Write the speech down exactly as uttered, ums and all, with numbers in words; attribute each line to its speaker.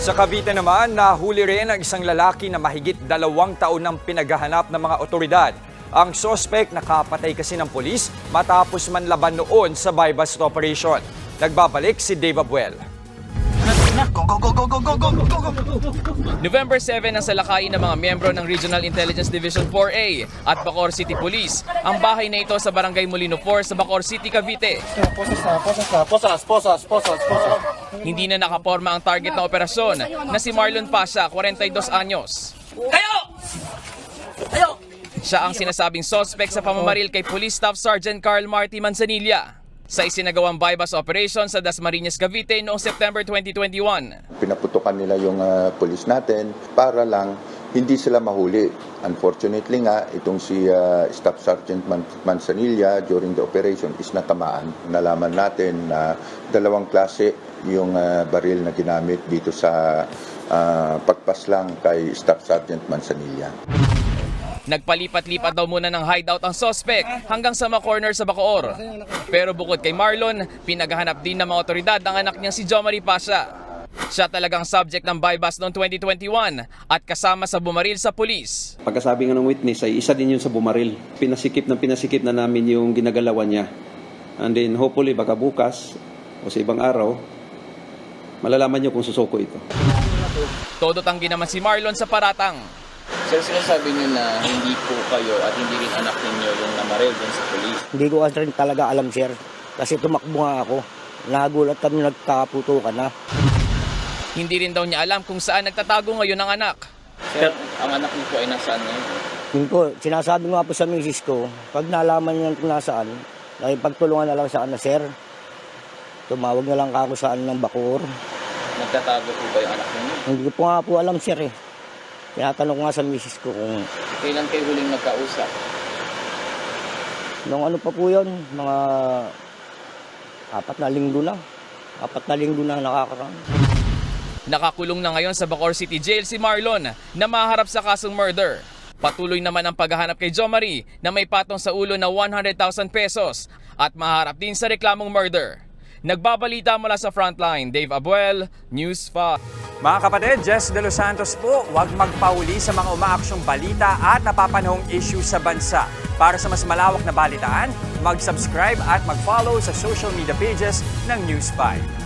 Speaker 1: Sa Cavite naman, nahuli rin ang isang lalaki na mahigit dalawang taon nang pinaghahanap ng mga otoridad. Ang sospek nakapatay kasi ng pulis matapos manlaban noon sa buy-bust operation. Nagbabalik si Dave Abuel.
Speaker 2: November seven ang salakayin ng mga miyembro ng Regional Intelligence Division four A at Bacoor City Police. Ang bahay na ito sa Barangay Molino four sa Bacoor City, Cavite.
Speaker 3: Posas, posas, posas, posas.
Speaker 2: Hindi na nakaporma ang target na operasyon na si Marlon Pasha, forty-dos anyos.
Speaker 4: Kayo! Kayo!
Speaker 2: Siya ang sinasabing suspect sa pamamaril kay Police Staff Sergeant Carl Marty Manzanilla sa isinagawang buy-bust operation sa Dasmariñas, Cavite noong September twenty twenty-one.
Speaker 5: Pinaputukan nila yung uh, pulis natin para lang hindi sila mahuli. Unfortunately nga, itong si uh, Staff Sergeant Man- Manzanilla during the operation is natamaan. Nalaman natin na dalawang klase yung uh, baril na ginamit dito sa uh, pagpaslang kay Staff Sergeant Manzanilla.
Speaker 2: Nagpalipat-lipat daw muna ng hideout ang suspect hanggang sa mga corner sa Bacoor. Pero bukod kay Marlon, pinaghahanap din ng mga otoridad ang anak niyang si Jomari Pasha. Siya talagang subject ng buy-bust noong twenty twenty-one at kasama sa bumaril sa pulis.
Speaker 6: Pagkasabi nga ng witness ay isa din yun sa bumaril. Pinasikip ng pinasikip na namin yung ginagalawan niya. And then hopefully baka bukas o sa ibang araw, malalaman niyo kung susuko ito.
Speaker 2: Todo tanggi naman si Marlon sa paratang.
Speaker 4: Sir, sinasabi niyo na hindi po kayo at hindi rin anak ninyo yung namaril din sa polis.
Speaker 7: Hindi ko kasi rin talaga alam, sir. Kasi tumakbo nga ako. Nagulat kami, nagkakaputukan na.
Speaker 2: Hindi rin daw niya alam kung saan nagtatago ngayon ang anak.
Speaker 4: Sir, ang anak niyo po ay nasaan ngayon?
Speaker 7: Yun po, sinasabi ko nga po sa misis ko, pag nalaman niya kung nasaan, nakipagtulungan na lang sa na, sir. Tumawag na lang ako saan ng Bacoor.
Speaker 4: Nagtatago po ba yung anak ninyo?
Speaker 7: Hindi ko po nga po alam, sir eh. Tinatanong ko nga sa misis ko kung
Speaker 4: Kailan kayo huling nagkausap?
Speaker 7: nung ano pa po yun, mga apat na linggo na. Apat na linggo na nakakaraan.
Speaker 2: Nakakulong na ngayon sa Bacoor City Jail si Marlon na maharap sa kasong murder. Patuloy naman ang paghahanap kay Jomari na may patong sa ulo na one hundred thousand pesos at maharap din sa reklamong murder. Nagbabalita mula sa Frontline, Dave Abuel, News five.
Speaker 1: Mga kapatid, Jess De Los Santos po, huwag magpahuli sa mga umaaksyong balita at napapanahong issue sa bansa. Para sa mas malawak na balitaan, mag-subscribe at mag-follow sa social media pages ng News five.